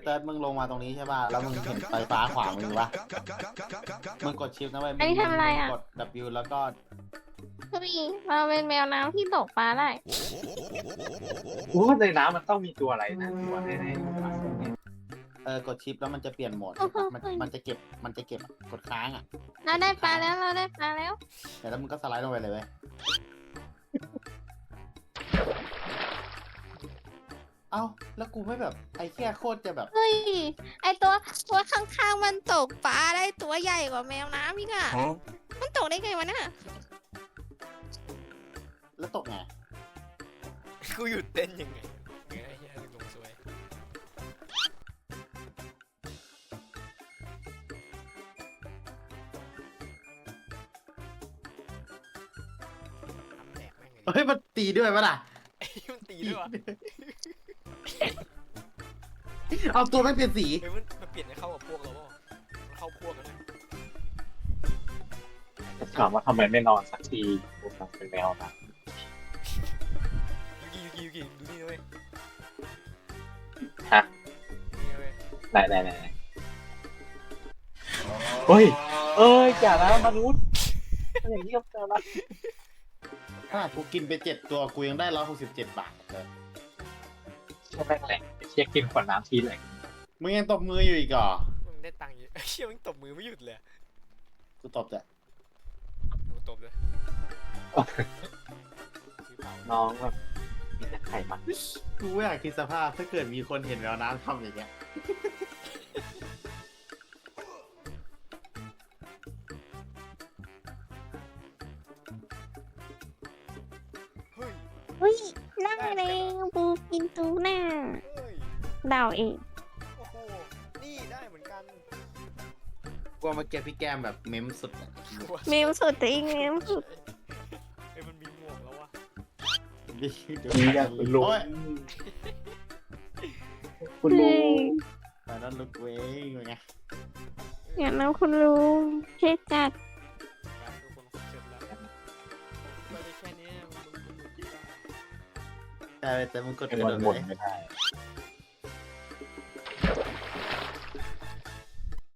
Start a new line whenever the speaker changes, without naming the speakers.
เติร์ดมึงลงมาตรงนี้ใช่ป่ะแล้วมึงเห็นไฟฟ้าขวามือปะมึงกดชิปนะเว้ย
อันนี้ทำอะไรอ่ะ
กด W แล้วก็
เฮ้ยเราเป็นแมวน้ำที่ตกปลาได้
กูว่าในน้ำมันต้องมีตัวอะไรนะตัวแน่
กดชิปแล้วมันจะเปลี่ยนโหมดมันจะเก็บกดค้างอ่ะ
เราได้ปลาแล้วเราได้ปลาแล้ว
แล้วมึงก็สไลด์ลงไปเลยเว้ยเอ้าแล้วกูไม่แบบไอ้แค่โคตรจะแบบ
เฮ้ยไอตัวข้างๆมันตกปลาได้ตัวใหญ่กว่าแมวน้ำอีกอ่ะมันตกได้ไงวะเนี่ย
แล้วตกไง
กูหยุดเต้นยังไงไอ้เหี้ยลงสวยทำแตกแม่งเลย
เฮ้ยมันตีด้วยปะล่ะ
ไอ้มันตีด้วยวะ
เอาตัวไม่เปลี่ยนสี
เฮ้ยมันเปลี่ยนให้เข้ากับพวกเราเปล่ามันเข้าพวกกันนะ
ๆจะถามว่าทำไมไม่นอนสักทีกูทำเป็นแมวนะ
ยูกิดูนี่นะเว้ย
ฮะ
นี่นะเว้ย
ไหนเฮ้ยอย่านะมนุษย์อย่างนี้ก็เจอละ
ถ้ากูกินไป7 ตัวกูยังได้167 บาทเลย
ใช่แม่งแหละเชี่ยกินขวดน้ำทีแหละ
มึงยังตบมืออยู่อีกเหรอ
มึงได้ตังค์เยอะไอ้เชี่ยมึงตบมือไม่หยุดเลย
กูตบแต่
มึงตบเลยซื้อเปล่า
น้องแบบมีแต่ไข่มัน
กูอยากคิดสภาพถ้าเกิดมีคนเห็นแววน้ำทำอย่างเงี้ย
เฮ้ย
เฮ้ยนั่งเลยปูกินตูน่า
เฮ้ย
เดาเอง
โอ้โหนี่ได้เหมือนกัน
กูเอามาเก็บพี่แก้มแบบเม้มสุดอะ
เมมสุดจริงเมมสุด
เอ้ยมันมีหมวกแล้ววะ
ดี
นี่อยากคุณลุง
โอ้ย
คุณลุ
เฮ้ย
ง
แต่นั่นลุกเว้ยเป็นไง
อย่างนั้นคุณลุงเท่จัด
การทุกคนเสร็จแล้วไปได้แค่นี้มึง
แต่มึงกด
เป็น
กระ
วั
โด
น
ด
บ่น
เลย
ไม่ได้